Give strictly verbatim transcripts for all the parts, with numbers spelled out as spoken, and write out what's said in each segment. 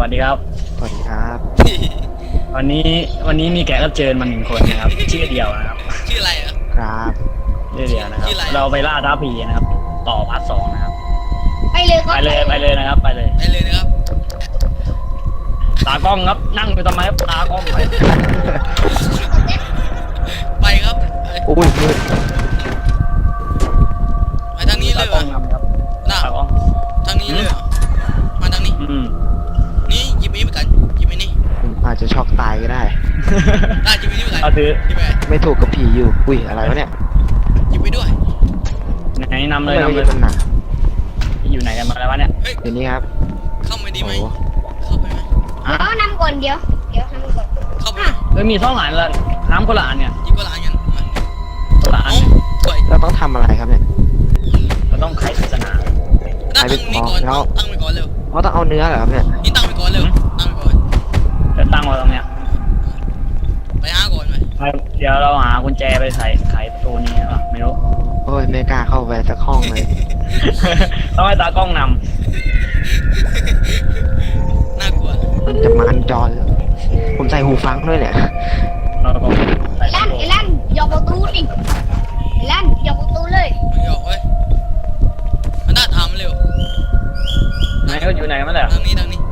วัสดีครับสวัสดีครับวันนี้วันนี้มีแขกรับเชิญมาหนึ่งคนนะครับ ชื่อเดียวนะครับชื่ออะไรอ่ะครับชื่อเดียวนะครับชื่ออะไรเราไปล่าท้าผีนะครับ ต่อพาร์ทสองนะครับไปเลยครับไปเลยไปเลยนะครับ ไปเลยไปเลยนะครับตากล้องครับนั่งอยู่ทำไมครับตากล้องไปไปครับไปอุ้ยมืดไปทางนี้เลตาย กเหรล้อองนำครับน่ะตากล้องทางนี้เลยเหรอมาทางนี้อืมนี่หยิบไอ้นี่ไปกันหยิบไอ้นี่ผมอาจจะช็อกตายก็ได้ได้หยิบไอ้นี่ไปกันเอาถือหยิบไปไม่ถูกกับผีอยู่ อุ้ยอะไรวะเนี่ยหยิบไปด้วยไหนนำทำเลไมยนำเลยมันหนักอยู่ไหนกันมาแล้ววะเนี่ยเฮ้ยเดี๋ยวนี้ครับเข้าไปดีไหมโอ้โหเข้าไปไหมอ่ะเดี๋ยวนำก่อนเดี๋ยว เดี๋ยวทำก่อนเข้าไปไหมเฮ้ยมีท่องอ่านละน้ำคนละอันเนี่ยหยิบกระลานกันมาคนละอันโอ้เนี่ยสวยเราต้องทำอะไรครับเนี่ยเราต้องไขปริศนาน่าตั้งนี่ก่อนแล้วตั้งไปก่อนเร็วเพราะต้องเอาเนื้อเหรอครับเนี่ยนี่ตั้งไปก่อนเร็วตั้งไปก่อนจะตั้งไว้ตรงเนี้ยไปหาก่อนไปไปเดี๋ยวเราหากุญแจไปใส่ไขประตูนี้หรอไม่รู้โอ้ยไม่กล้าเข้าไปสักห้องเลยต้องให้ตากล้องนน่ากลัวมันจะมันจอเลยผมใส่หูฟังด้วยเนี่ยำเราก็ใส่ไอ้ลั่นไอ้ลั่นยกประตูดิไอ้ลั่นยกประตูเลยไม่ยอมเว้ยมันน่าถามเร็วไหนก็อยู่ไหนมาแล้วทางนี้ทางนี้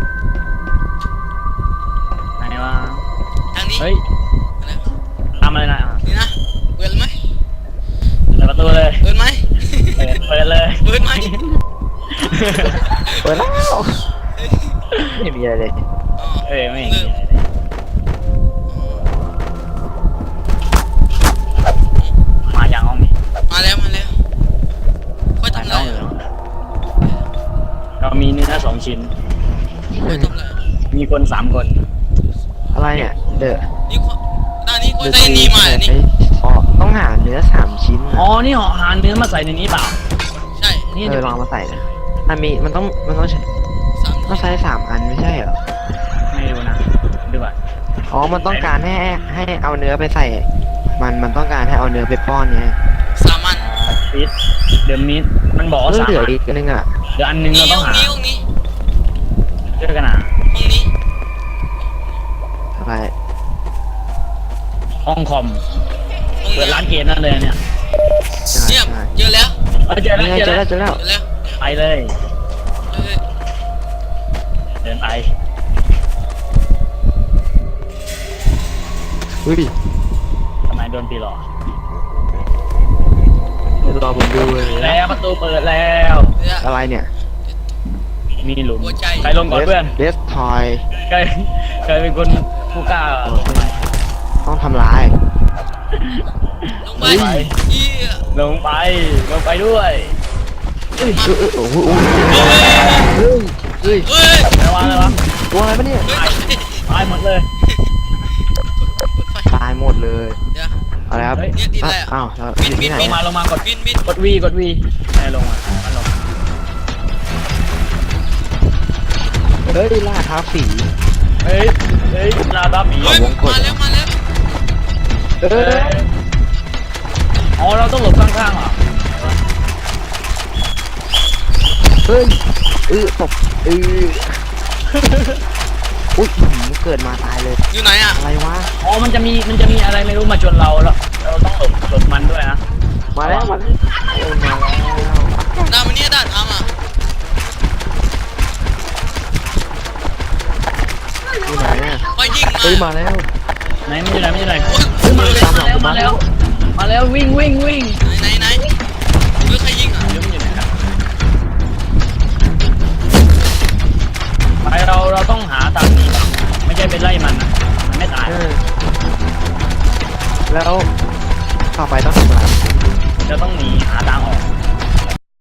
ไหนวะทางนี้เฮ้ยอะไรทำอะไรนะอ่ะนี่นะเปิดไหมเปิดประตูเลยเปิดไหมเปิดเปิดเลยเปิดไหมเปิดแล้วไม่มีอะไรเลยอ๋อเอ้ยไม่เริ่มมาอย่างห้องนี้มาแล้วมาแล้วค่อยมาทำห้ไรองอ่ะเรามีเนื้อสองชิ้นค่อยทำไรมีคนสามคนอะไรเนี่ย เดอะนี่ข้อด้านนี้ค่อยเดอะใส่นี่มาเหรอนี่อ๋อต้องหาเนื้อสามชิ้นอ๋อนี่ห่อหาเนื้อมาใส่ในนี้เปล่าใช่นี่เอเดี๋อยวลองมาใส่นะมันมีมันต้องมันต้องใช้สามต้องใช้สามอันไม่ใช่เหรอไม่รู้นะดูก่อนอ๋อ มันต้องการให้ให้เอาเนื้อไปใส่ มันมันต้องการให้เอาเนื้อไปป้อนเนี่ยสามอันฟิตเดี๋ยวนี้มันบอกเอว่าอสามเหลืออันอีกอันนึงอ่ะเดี๋ยวอันนึงนี่เราต้ห้ออง งหานี้ห้องนี้ช่วยกันหาห้องนี้อะไรห้องคอมห้องเปิดนี้ร้านเกมนั่นเลยเนี่ยใช่เนี่ยใช่เจอแล้วเออเจอแล้วนี่ไงเจเจออแล้แล้ว วเจอแล้วเจอแล้วไปเลยเฮ้ยเดินไปอุ้ยทำไมโดนปีหลอกรอผมดูเลยนะแล้วประตูเปิดแล้วเดี๋ยวอะไรเนี่ยมีหลุมหัวใจใครลงก่อนเพื่อนเดสทอยใครใครเป็นคนผู้กล้าลงมาต้องทำลายลงไปเยี่ยลงไปลงไปด้วยเอ้ยเออเออโอ้โหโอ้โหเฮ้ยเฮ้ยเฮ้ยเฮ้ยอะไรวะอะไรวะตัวอะไรปะเนี่ยเฮ้ยตายหมดเลยเปิดไฟตายหมดเลยเดี๋ยวอะไรครับเนี่ยติดอะไรอ่ะอ้าวเราบินอยู่บิที่นไหนลงมาอะลงมากดบินบินกดวีกดวีไอ้ลงมามันลงมาเฮ้ยล่าท้าฝีเฮ้ยเฮ้ยลาตาผีเฮ้ยมาแล้วมาแล้วเอเฮ้อยอ๋อเราต้องหลบข้างๆเหรอเฮ้ยเออตบเอออุ้ยหืมเกิดมาตายเลยอยู่ไหนอ่ะอะไรวะอ๋อมันจะมีมันจะมีอะไรไม่รู้มาชนเราแล้วเราต้องหลบหลบมันด้วยนะมาแล้วมาแล้วเออมาแล้วด้านมันเนี่ยด้านทำอ่ะอยู่ไหนเนี่ยไปยิงมาเฮ้ยมาแล้วไหนมันอยู่ไหนมันอยู่ไหนโอ้ยเฮ้ยมาแล้วมาแล้วมาแล้วมาแล้ววิ่งวิ่งวิ่งไหนไหนไหนเฮ้ยใครยิงอ่ะเดี๋ยวมันอยู่ไหนครับไปเราเราต้องหาทางหนีไม่ใช่ไปไล่มันนะมันไม่ตายเออแล้วต่อไปต้องทำอะไรจะต้องหนีหาทางออก